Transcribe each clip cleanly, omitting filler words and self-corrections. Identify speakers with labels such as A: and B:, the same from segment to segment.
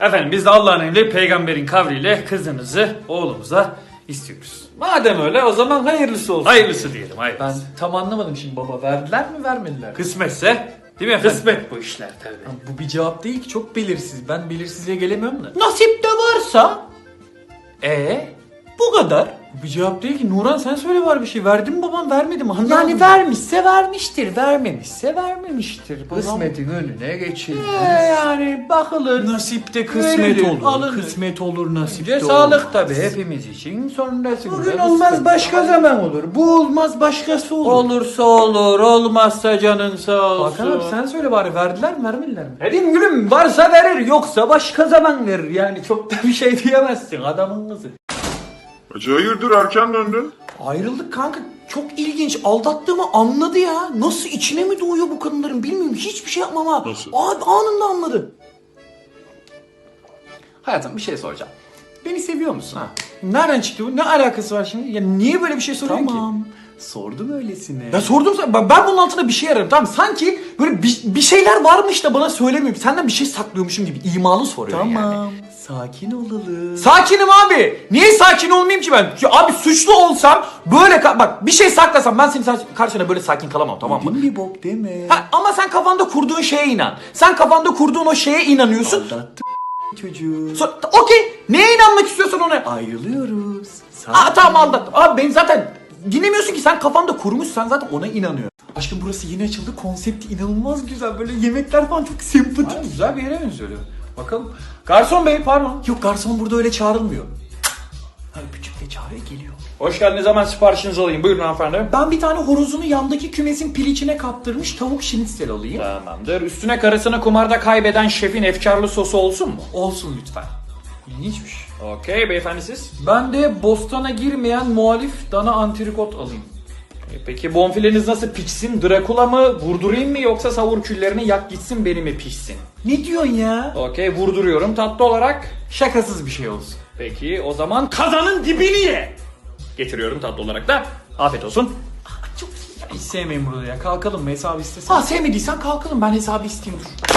A: Efendim biz de Allah'ın emri peygamberin kavliyle kızınızı oğlumuza istiyoruz.
B: Madem öyle o zaman hayırlısı olsun.
A: Hayırlısı diyelim
B: Ben
A: hayırlısı.
B: tam anlamadım şimdi baba. Verdiler mi vermediler mi?
A: Kısmetse değil mi efendim? Kısmet bu işler tabii.
B: Bu bir cevap değil ki, çok belirsiz. Ben belirsizliğe gelemiyorum da.
C: Nasip de varsa
B: Bu kadar. Bu bir cevap değil ki. Nuran sen söyle var bir şey. Verdim mi babam, vermedi mi? Anlamadım.
C: yani vermişse vermiştir, vermemişse vermemiştir.
B: Kısmetin önüne geçildi.
C: Yani bakılır.
B: Nasipte kısmet
C: Verilir,
B: olur.
C: alınır.
B: Kısmet olur, nasipte
C: Önce
B: olur.
C: sağlık tabii hepimiz için. Sonrasında
B: Bugün
C: kısmet.
B: olmaz başka zaman olur. Bu olmaz başkası olur.
C: Olursa olur, olmazsa canın sağ olsun.
B: Hakan abi sen söyle bari, verdiler mi vermediler mi?
C: Dedim gülüm, varsa verir, yoksa başka zaman verir. Yani çok da bir şey diyemezsin adamın kızı.
D: Hacı hayırdır erken döndün?
C: Ayrıldık kanka. Çok ilginç. Aldattığımı anladı ya. Nasıl içine mi doğuyor bu kadınların bilmiyorum. Hiçbir şey yapmam ha.
D: Nasıl?
C: Abi anında anladı.
B: Hayatım bir şey soracağım. Beni seviyor musun? Ha. Nereden çıktı bu? Ne alakası var şimdi? Ya niye böyle bir şey soruyorsun ki?
C: Tamam.
B: Sordum öylesine.
C: Ya sordum sana. Ben bunun altında bir şey ararım. Tamam, sanki böyle bir şeyler varmış da bana söylemiyor. Senden bir şey saklıyormuşum gibi imalı soruyor yani.
B: Tamam. Sakin olalım.
C: Sakinim abi. Niye sakin olmayayım ki ben? Ya abi suçlu olsam böyle bak bir şey saklasam ben senin karşına böyle sakin kalamam, tamam mı?
B: Bir bok deme.
C: Ha, ama sen kafanda kurduğun şeye inan. Sen kafanda kurduğun o şeye inanıyorsun.
B: Aldattım çocuğu.
C: Okey. Neye inanmak istiyorsan ona.
B: Ayrılıyoruz.
C: Tamam aldattım. Abi beni zaten dinlemiyorsun ki, sen kafanda kurmuşsan zaten ona inanıyor.
B: Aşkım burası yeni açıldı. Konsepti inanılmaz güzel. Böyle yemekler falan çok sempatik.
C: Aynen, güzel bir yere benziyor. Bakalım. Garson bey pardon.
B: Yok, garson burada öyle çağrılmıyor. Hani küçük de çağrıya geliyor.
A: Hoş geldiniz, hemen siparişinizi alayım. Buyurun hanımefendi.
C: Ben bir tane horozunu yandaki kümesin piliçine kaptırmış tavuk şinitsel alayım.
A: Tamamdır. Üstüne karısını kumarda kaybeden şefin efkarlı sosu olsun mu?
C: Olsun lütfen.
B: İlginçmiş.
A: Okey, beyefendi siz?
B: Ben de bostana girmeyen muhalif dana antrikot alayım.
A: Peki bonfileniz nasıl pişsin? Drakula mı? Vurdurayım mı yoksa savur küllerini yak gitsin beni mi pişsin?
B: Ne diyorsun ya?
A: Okey, vurduruyorum tatlı olarak.
B: Şakasız bir şey olsun.
A: Peki o zaman kazanın dibini ye. Getiriyorum tatlı olarak da. Afiyet olsun.
B: Hiç sevmeyin burada ya. Kalkalım mı, hesabı istesen?
C: Ha, sevmediysen kalkalım, ben hesabı isteyeyim, dur.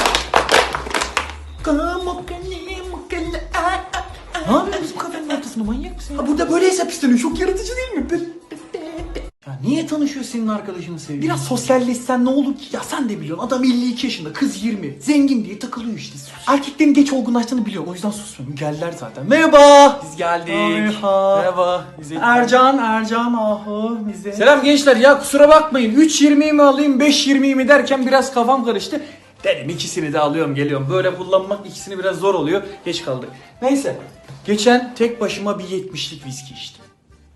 B: Ne yapıyorsun bu kafenin ortasında, manyak mısın ya?
C: Ha, burada böyle hesap isteniyor, çok yaratıcı değil mi?
B: Ya niye tanışıyor senin arkadaşını sevgili?
C: Biraz sosyalleşsen ne olur ki? Ya sen de biliyorsun, adam 52 yaşında, kız 20. Zengin diye takılıyor işte. Erkeklerin geç olgunlaştığını biliyorum, o yüzden susmuyorum. Geldiler zaten. Merhaba.
B: Biz geldik.
C: Merhaba.
B: Merhaba. Bize...
C: Ercan ahu bize.
B: Selam gençler, ya kusura bakmayın. 3.20'yi mi alayım 5.20'yi mi derken biraz kafam karıştı. Dedim ikisini de alıyorum geliyorum. Böyle kullanmak ikisini biraz zor oluyor. Geç kaldık. Neyse. Geçen tek başıma bir 70'lik viski içtim.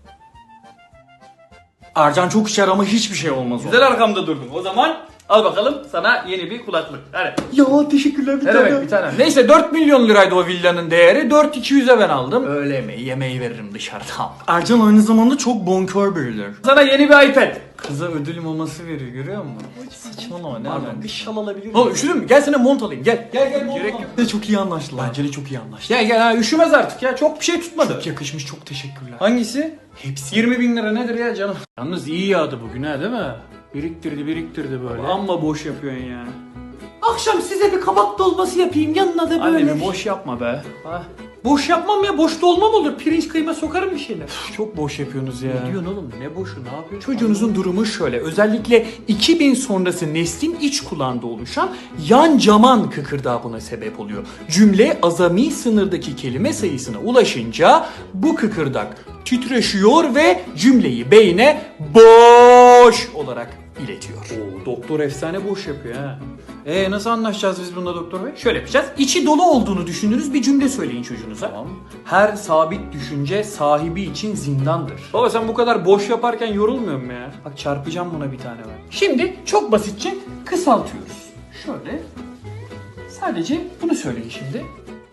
C: Ercan çok içer ama hiçbir şey olmaz.
A: Güzel arkamda durdun. O zaman al bakalım sana yeni bir kulaklık. Hadi.
C: Ya teşekkürler bir
A: Ne demek bir tane.
B: Neyse 4 milyon liraydı o villanın değeri. 4.200'e ben aldım.
C: Öyle yemeği, yemeği veririm dışarıdan.
B: Ercan aynı zamanda çok bonkör biridir.
A: Sana yeni bir iPad.
B: Kıza ödül maması veriyor, görüyor musun? Saçmalama, ne
C: Pardon,
B: alakası?
C: bir şal alabilir miyim?
B: Oğlum üşüdün mü? Gel sana mont alayım, gel. Gel mont
A: Gerek
B: al.
A: yok.
B: De çok iyi anlaştılar.
C: Bence de çok iyi anlaştık.
A: Gel gel ha, üşümez artık ya. Çok bir şey tutmadı.
C: Çok yakışmış, çok teşekkürler.
A: Hangisi?
C: Hepsi.
A: 20 bin lira nedir ya canım?
B: Yalnız iyi yağdı bugün ha, değil mi? Biriktirdi böyle.
A: Amma boş yapıyorsun ya.
C: Akşam size bir kabak dolması yapayım, yanına da böyle.
A: Annemi boş yapma be. Ha.
B: Boş yapmam ya, boş dolmam olur. Pirinç kıyma sokarım bir şeyler.
C: Çok boş yapıyorsunuz ya.
B: Ne diyorsun oğlum? Ne boşu, ne yapıyorsun?
C: Çocuğunuzun durumu şöyle. Özellikle 2000 sonrası neslin iç kulağında oluşan yan caman kıkırdağı buna sebep oluyor. Cümle azami sınırdaki kelime sayısına ulaşınca bu kıkırdak titreşiyor ve cümleyi beyne boş olarak iletiyor.
B: Oo, doktor efsane boş yapıyor ha. Nasıl anlaşacağız biz bununla doktor bey?
C: Şöyle yapacağız. İçi dolu olduğunu düşündüğünüz bir cümle söyleyin çocuğunuza.
B: Tamam.
C: Her sabit düşünce sahibi için zindandır.
B: Baba sen bu kadar boş yaparken yorulmuyor musun ya? Bak çarpacağım buna bir tane ben.
C: Şimdi çok basitçe kısaltıyoruz. Şöyle. Sadece bunu söyleyin şimdi.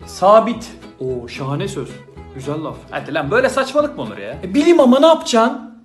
C: Sabit.
B: Oo şahane söz. Güzel laf. Hadi lan böyle saçmalık mı olur ya?
C: Bilim ama ne yapacaksın?